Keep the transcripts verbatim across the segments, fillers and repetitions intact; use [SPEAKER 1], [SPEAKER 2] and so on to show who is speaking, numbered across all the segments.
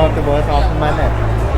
[SPEAKER 1] Multiverse of Madness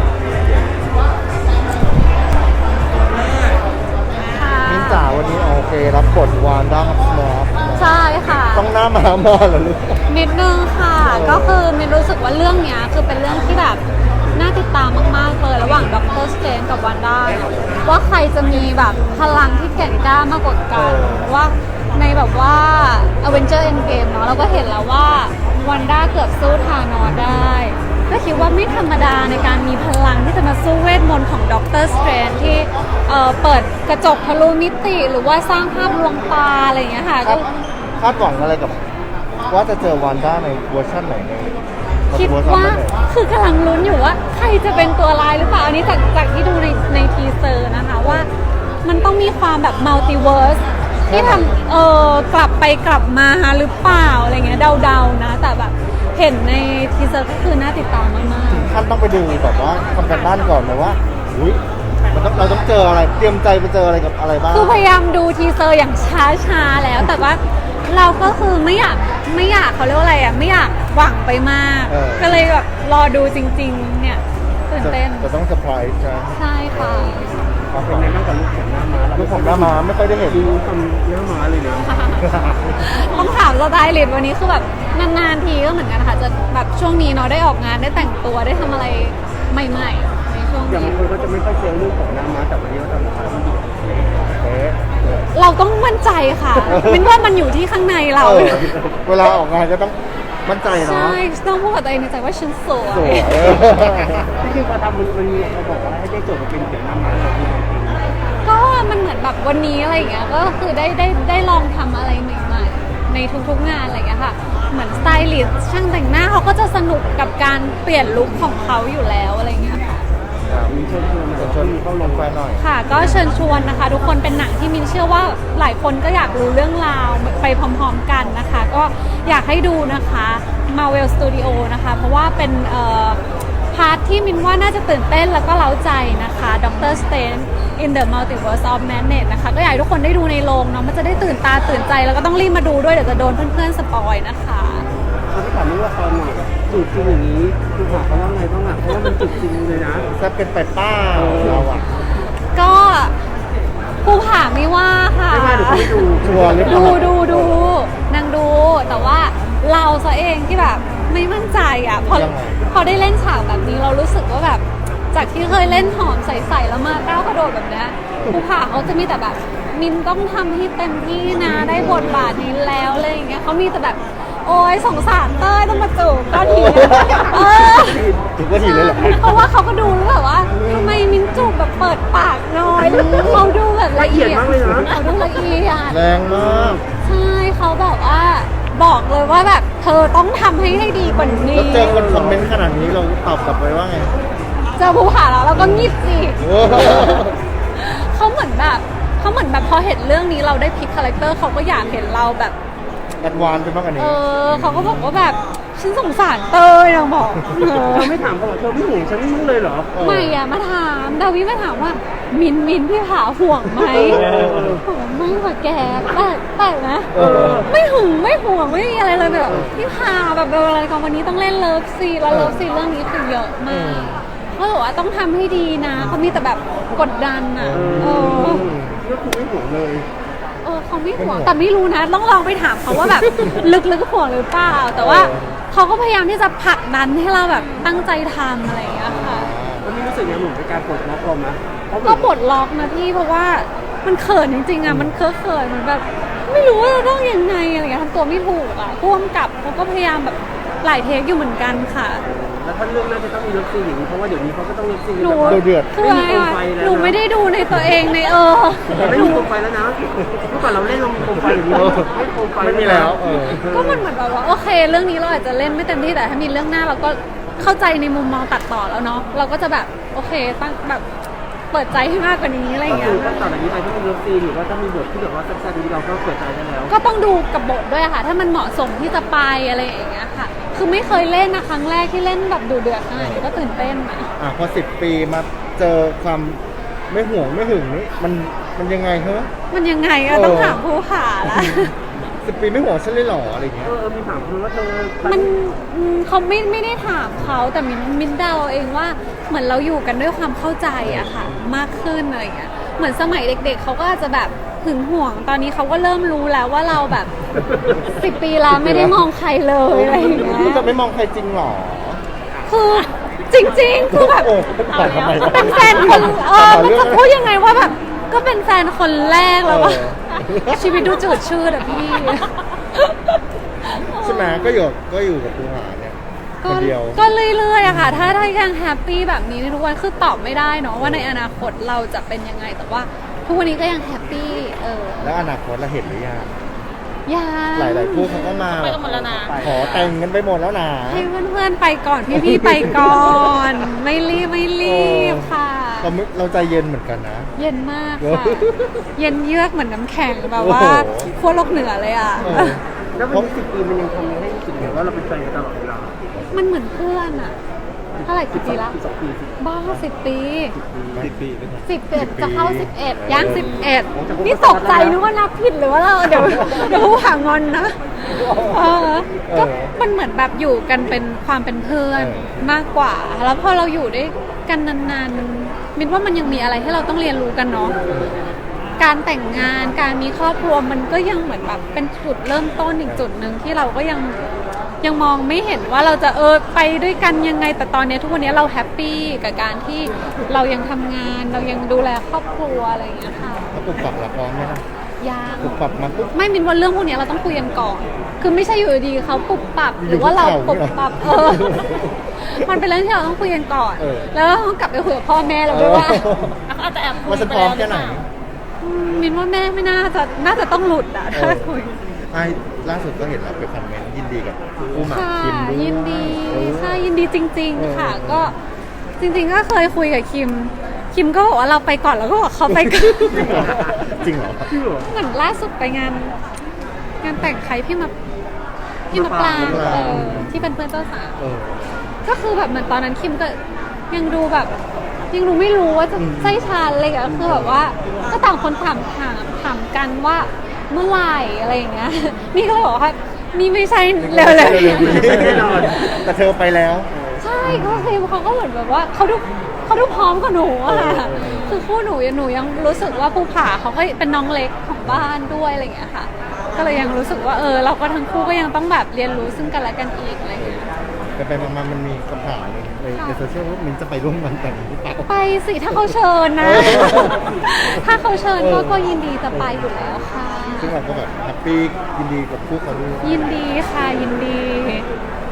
[SPEAKER 1] มิ้นจ๋าวันนี้โอเครับ บทวานด้าครับสมอฟ
[SPEAKER 2] ใช่ค่ะ
[SPEAKER 1] ต้องหน้ามาหมอเหรอลูก
[SPEAKER 2] นิดนึงค่ะก็คือมินรู้สึกว่าเรื่องนี้คือเป็นเรื่องที่แบบน่าติดตามมากๆเลยระหว่างด็อกเตอร์สเตนกับวันด้าว่าใครจะมีแบบพลังที่แก่งกล้ามากกว่ากันว่าในแบบว่า Avenger Endgame เนาะเราก็เห็นแล้วว่าวันด้าเกือบสู้ธานอสได้ก็คิดว่าไม่ธรรมดาในการมีพลังที่จะมาสู้เวทมนต์ของด็อกเตอร์สเตนที่เอ่อเปิดกระจกทะลุมิติหรือว่าสร้างภาพลวงตาอะไรอย่างเงี้ยค่ะก็
[SPEAKER 1] คาดหวังอะไรกับว่าจะเจอวันด้าในเวอร์ชันไหนใน
[SPEAKER 2] คิดว่าคือกำลังลุ้นอยู่ว่าใครจะเป็นตัวร้ายหรือเปล่าอันนี้จากจากที่ดูในในทีเซอร์นะคะว่ามันต้องมีความแบบมัลติเวิร์สที่ทำเออกลับไปกลับมาหรือเปล่าอะไรเงี้ยเดาๆนะแต่แบบเห็นในทีเซอร์ก็คือน่าติดตามมาก
[SPEAKER 1] ๆท่านต้องไปดูแบบว่าทำกันบ้านก่อนเลยว่าอุ้ยมันต้องเราต้องเจออะไรเตรียมใจไปเจออะไรกับอะไรบ้าง
[SPEAKER 2] คือพยายามดูทีเซอร์อย่างช้าๆแล้วแต่ว่าเราก็คือไม่อยากไม่อยากเขาเรียกว่าอะไรอ่ะไม่อยากหวังไปมากก็เลยแบบรอดูจริงๆเนี่ยตื่นเต้น
[SPEAKER 1] จะต้องเซอร์ไพรส์ใช่
[SPEAKER 2] ใช่ค่ะ
[SPEAKER 3] เป็นไงบ้างกับลูกของหน้าม้า
[SPEAKER 1] ลูกของหน้าม้าไม่ค่อยได้เห็น
[SPEAKER 3] ดูทำหน้าม้าเลยนะ
[SPEAKER 2] ต้องถามสไตลิสต์วันนี้คือแบบนานๆทีก็เหมือนกันค่ะจะแบบช่วงนี้เนาะได้ออกงานได้แต่งตัวได้ทำอะไรใหม่ๆในช่วงนี้
[SPEAKER 3] อย่างบางคนก็จะไม่ค่อยเจอลูกของหน้าม้าแต่วันนี้เราทำอะไร
[SPEAKER 2] เราต้องมั่นใจค่ะมินว่ามันอยู่ที่ข้างในเรา
[SPEAKER 1] เวลาออกงานก็ต้องมั่นใจเนาะ
[SPEAKER 2] ใช่ต้องพูดกับตัวเองในใจว่าฉันสวย
[SPEAKER 3] ที่คือพอทำมันมันมีเขาบอกว่าให้ได้โจทย์มาเป็นเสียงหน้าม้าเราจริง
[SPEAKER 2] ก็มันเหมือนแบบวันนี้อะไรอย่างเงี้ยก็คือได้ได้ได้ลองทำอะไรใหม่ๆในทุกๆงานอะไรอย่างเงี้ยค่ะเหมือนสไตลิสต์ช่างแต่งหน้าเขาก็จะสนุกกับการเปลี่ยนลุคของเขาอยู่แล้วอะไรอย่างเงี้ยค่ะ
[SPEAKER 3] มีเชิญชวนเชิญเข้าลงไปหน่อย
[SPEAKER 2] ค่ะก็เชิญชวนนะคะทุกคนเป็นหนังที่มินเชื่อว่าหลายคนก็อยากรู้เรื่องราวไปพร้อมๆกันนะคะก็อยากให้ดูนะคะ Marvel Studio นะคะเพราะว่าเป็นเอ่อพาร์ทที่มินว่าน่าจะตื่นเต้นแล้วก็เร้าใจนะคะ Doctor Strange in the Multiverse of Madness นะคะก็อยากให้ทุกคนได้ดูในโรงเนาะมันจะได้ตื่นตาตื่นใจแล้วก็ต้องรีบมาดูด้วยเดี๋ยวจะโดนเพื่อนๆสปอยนะคะ
[SPEAKER 3] เขาที่ถามว่าละครหน่อยจุดจริงอย่างนี้คือหาเขาว่าไงบ้างอ่ะเพราะว่ามันจุดจริงเลยนะ
[SPEAKER 1] จะเป็นไปป้าเราอ่ะ
[SPEAKER 2] ก็ภูผาไม่ว่าค่ะ
[SPEAKER 3] ไม่ว่าเดี๋ยวเขาไม่ดู
[SPEAKER 1] ชัวร์เลย
[SPEAKER 2] ดูดูดูนางดูแต่ว่าเราซะเองที่แบบไม่มั่นใจอ่ะพอพอได้เล่นฉากแบบนี้เรารู้สึกว่าแบบจากที่เคยเล่นหอมใสๆแล้วมาก้าวกระโดดแบบนี้ภูผาเขาจะมีแต่แบบมินต้องทำให้เต็มที่นะได้บทบาทนี้แล้วอะไรอย่างเงี้ยเขามีแต่แบบโอ้ยสงสารเต้ยต้องมาจูบก้อนหินเออ
[SPEAKER 1] จูบก้อนหินเลยเหรอ
[SPEAKER 2] เพราะว่าเขาก็ดูแล้วแบบว่าทำไมมินจูบแบบเปิดปากน้อยเขาดูแบบละเอียด
[SPEAKER 3] มากเลยนะ
[SPEAKER 2] เขาดูละเอียด
[SPEAKER 1] แรงมาก
[SPEAKER 2] ใช่เขาแบบว่าบอกเลยว่าแบบเธอต้องทำให้ได้ดีกว่านี้
[SPEAKER 1] แล้วเจอคนคอมเมนต์ขนาดนี้เราตอบกลับไปว่าไง
[SPEAKER 2] เจอภูผาแล้วเราก็งีบสิเขาเหมือนแบบเขาเหมือนแบบพอเห็นเรื่องนี้เราได้พลิกคาแรคเตอร์เขาก็อยากเห็นเราแบบ
[SPEAKER 1] แอดวานซ์ไปมากกว่านี้
[SPEAKER 2] เออเขาก็บอกว่าแบบฉันสงสารเตยนางบอก
[SPEAKER 3] เธอไม่ถามเขาหรอเธอไม่ห่วงฉันมั้งเลยเหรอ
[SPEAKER 2] ไม่อะมาถามดาวิมาถามว่ามินมินพี่ผาห่วงไหมห่วงไม่ว่าแกแต่แต่นะไม่หึงไม่ห่วงไม่มีอะไรเลยแบบพี่ผาแบบอะไรกันวันนี้ต้องเล่นเลิฟซีแล้วเลิฟซีเรื่องนี้คือเยอะมากเขาบอกว่าต้องทำให้ดีนะเขามีแต่แบบกดดันอ่ะเออ
[SPEAKER 3] ก็คือไม่ห่วงเลย
[SPEAKER 2] เออเขาไม่ห่วงแต่ไม่รู้นะต้องลองไปถามเขาว่าแบบลึกๆห่วงหรือเปล่าแต่ว่าเขาก็พยายามที่จะผลักดันให้เราแบบตั้งใจทำอะไรอย่างเงี้ยค่ะ
[SPEAKER 3] วันนี้รู้สึกยังเหมือนเป็นการปลดล็อกเราไหม
[SPEAKER 2] ก็ปลดล็อกนะพี่เพราะว่ามันเขินจริงๆอ่ะมันเคอะเขินเหมือนแบบไม่รู้ว่าจะต้องยังไงอะไรเงี้ยทำตัวไม่ถูกอ่ะพ่วงกับเขาก็พยายามแบบหลายเทคอยู่เหมือนกันค่ะ
[SPEAKER 3] แล้วถ้าเรื่องน่าจะต้องมีเลิฟซีนอย่างนี้เพราะว่าเดี๋ยวนี้เขาก็ต้องเลิฟซีน
[SPEAKER 2] แบบ
[SPEAKER 1] เดือด
[SPEAKER 2] คืออะไรอ่ะหนูไม่ได้ดูในตัวเองในเออ
[SPEAKER 3] ไม่มีโคมไฟแล้วนะเมื่อก่อนเราเล่นลงโคมไฟอย่างนี้ไม่โคมไฟ
[SPEAKER 1] ไม่มีแล้ว
[SPEAKER 2] ก็มันเหมือนแบบว่าโอเคเรื่องนี้เราอาจจะเล่นไม่เต็มที่แต่ถ้ามีเรื่องหน้าเราก็เข้าใจในมุมมองตัดต่อแล้วเนาะเราก็จะแบบโอเคตั้งแบบเปิดใจให้มากกว่านี้อะไรอย่างเงี้ย
[SPEAKER 3] ก็ต่อจากนี้ไปถ้ามีเลิฟซีนหรือว่าถ้ามีบทที่แบบว่าแซ่บๆนี้เราก็เปิดใจได้แล้ว
[SPEAKER 2] ก็ต้องดูกับบทด้วยค่ะถ้ามันเหมาะสมที่จะไปอะไรอย่างเงี้ยค่ะคือไม่เคยเล่นนะครั้งแรกที่เล่นแบบดูเดือดขนาดนี้ก็ตื่นเต้นนะ
[SPEAKER 1] อ่ะพอสิบปีมาเจอความไม่ห่วงไม่หึงนี่มันมันยังไงเหรอ
[SPEAKER 2] มันยังไงอะต้องถามภูผาละ
[SPEAKER 1] สิบปีไม่ห่วงฉันเลยเหรออะไรเงี้
[SPEAKER 3] เอย อมีถามคุณว่าเธอ
[SPEAKER 2] มันอืมเขาไม่ไม่ได้ถามเขาแต่มินมินเดาเองว่าเหมือนเราอยู่กันด้วยความเข้าใจอะค่ะ มากขึ้นอะไรอย่างเงี้ยเหมือนสมัยเด็ก ๆเขาก็อาจจะแบบหึงห่วงตอนนี้เขาก็เริ่มรู้แล้วว่าเราแบบสิบปีแล้วไม่ได้มองใครเลยอะไรอย่างเงี้
[SPEAKER 1] คุณ
[SPEAKER 2] ย
[SPEAKER 1] จะไม่มองใครจริงเหรอ
[SPEAKER 2] คือจริง ๆ คือแบบ
[SPEAKER 1] โอ้แต่ทำไม
[SPEAKER 2] เป็นแฟนคนเออมันจะพูดยังไงว่าแบบก็เป็นแฟนคนแรกแล้วว่า
[SPEAKER 1] เออ
[SPEAKER 2] ชีวิตดูจืดชืดอะพี่
[SPEAKER 1] ใช่ไหมก็อยู่ก็อยู่กับภูผาเนี่ยค
[SPEAKER 2] ก็
[SPEAKER 1] นเดียว
[SPEAKER 2] ก็เรื่อยๆอะค่ะ ถ้าถ้ายังแฮปปี้แบบนี้ในทุกวันคือตอบไม่ได้เนาะว่าในอนาคตเราจะเป็นยังไงแต่ว่าทุกวันนี้ก็ยังแฮปปี้เออ
[SPEAKER 1] แล้วอนาคตเราเห็นหรือยัง
[SPEAKER 2] ยัง
[SPEAKER 1] หลายๆคู่เขาก็มา
[SPEAKER 2] ไปกันหมดแล้วนะ
[SPEAKER 1] ขอแต่งกันไปหมดแล้วนะ
[SPEAKER 2] ให้เพื่อนๆไปก่อนพี่ๆไปก่อน ไม่รีบไม่รีบค่ะ
[SPEAKER 1] เราไม่เราใจเย็นเหมือนกันนะ
[SPEAKER 2] เย็นมาก
[SPEAKER 1] เออ
[SPEAKER 2] ค่ะ เย็นเยือกเหมือนน้ำแข็งแบบว่า
[SPEAKER 1] โอ้โห
[SPEAKER 2] ขั้วโลกเหนือเลยอ่ะ
[SPEAKER 1] เออ
[SPEAKER 3] แล้ววันนี้สิบปีมันยังทำให้รู้สึกเหมือนว่าเราเป็นแฟนกันตลอดเวลา
[SPEAKER 2] มันเหมือนเพื่อนอ่ะเท่าไหร่กี่ปีละ
[SPEAKER 3] สิบสองปีสิบ
[SPEAKER 2] บ้าสิบปี
[SPEAKER 1] สิบปีด้วยกัน
[SPEAKER 2] สิบเอ็ดจะเข้าสิบเอ็ดย่างสิบเอ็ดนี่ตกใจนึกว่านับผิดหรือว่าเราเดี๋ยวเดี๋ยวผู้หางอนนะเออก็มันเหมือนแบบอยู่กันเป็นความเป็นเพื่อนมากกว่า แล้วพอเราอยู่ด้วยกันนานๆมันมินว่ามันยังมีอะไรให้เราต้องเรียนรู้กันเนาะการแต่งงานการมีครอบครัวมันก็ยังเหมือนแบบเป็นจุดเริ่มต้นอีกจุดหนึ่งที่เราก็ยังยังมองไม่เห็นว่าเราจะเออไปด้วยกันยังไงแต่ตอนนี้ทุกวันนี้เราแฮปปี้กับการที่เรายังทำงานเรายังดูแลครอบครัวอะไรอย่างเงี้ยค่ะ
[SPEAKER 1] แล้วปรับปรับละพร้อมไหมล่ะ
[SPEAKER 2] ยัง
[SPEAKER 1] ปรับปรับมาปุ๊บ
[SPEAKER 2] ไม่มินว่าเรื่องพวกนี้เราต้องคุยกันก่อน คือไม่ใช่อยู่ดีๆเขาปุบปับหรือว่าเราปุบปับเออ มันเป็นเรื่องที่เราต้องคุยกันก่อน
[SPEAKER 1] เออ
[SPEAKER 2] แล้วเราต้องกลับไปคุยกับพ่อแม่เราด้วยว่าอาจจะแอบคุย
[SPEAKER 1] ว่าฉันพร้อมแค่ไหน
[SPEAKER 2] อืมมินว่าแม่ไม่น่าจะน่าจะต้องหลุดอ่ะถ้าคุย
[SPEAKER 1] ไอ้ล่าสุดก็เห็นเราไปคอมเมนต์ยินดีกับคู่หมาก
[SPEAKER 2] ค่ะ
[SPEAKER 1] คิมด้วย
[SPEAKER 2] ยินดี
[SPEAKER 1] เออ
[SPEAKER 2] ใช่ยินดีจริง
[SPEAKER 1] เออ
[SPEAKER 2] ๆ ค่ะ ก็จริง ๆ ก็เคยคุยกับคิม คิมก็บอกว่าเราไปก่อนแล้วก็บอกเขาไปก่อน
[SPEAKER 1] จริงเหรอ
[SPEAKER 3] ชื่อเหรอ
[SPEAKER 2] เหมือนล่าสุดไปงาน งานแต่งใครพี่มาพี่มาปลาง
[SPEAKER 1] มะปราง
[SPEAKER 2] เออที่เป็นเพื่อนเจ้าสาว
[SPEAKER 1] เออ
[SPEAKER 2] ก็คือแบบเหมือนตอนนั้นคิมก็ยังดูแบบ ยังดูไม่รู้ว่าจะ
[SPEAKER 1] อืม
[SPEAKER 2] ใช่ฉันอะไรอย่างเงี้ยคือแบบว่า ก็ต่างคนถามถามถามกันว่าเมื่อไหร่อะไรอย่างเงี้ย นี่ก็เลยบอกว่านี่ไม่ใช่เร็วๆ
[SPEAKER 1] เร็วๆ
[SPEAKER 2] นี้
[SPEAKER 1] นี้แต่เธอไปแล้ว
[SPEAKER 2] ใช่ก็คือเขาก็เหมือนแบบว่าเขาดูเขาดูพร้อมกว่าหนูอะค่ะ
[SPEAKER 1] เออเออ
[SPEAKER 2] คือคู่หนูยังหนูยังรู้สึกว่าภูผาเขาก็เป็นน้องเล็กของบ้านด้วยอะไรอย่างเงี้ยค่ะ ก็เลยยังรู้สึกว่าเออเราก็ทั้งคู่ก็ยังต้องแบบเรียนรู้ซึ่งกันและกันอีกอะไรอย่างเงี้ย
[SPEAKER 1] ไปไปมาๆมันมีคำถามหนึ่งในในโซเชียลว่ามินจะไปร่วมงานแต่งหรือเปล่า
[SPEAKER 2] ไปสิถ้าเขาเชิญนะ
[SPEAKER 1] เออ
[SPEAKER 2] ถ้าเขาเชิญก็
[SPEAKER 1] เออ
[SPEAKER 2] ก็ยินดีจะไปอยู่แล้วค่ะ
[SPEAKER 1] ซึ่งเราก็แบบแฮปปี้ยินดีกับคู่เขาด้วย
[SPEAKER 2] ยินดีค่ะยินดี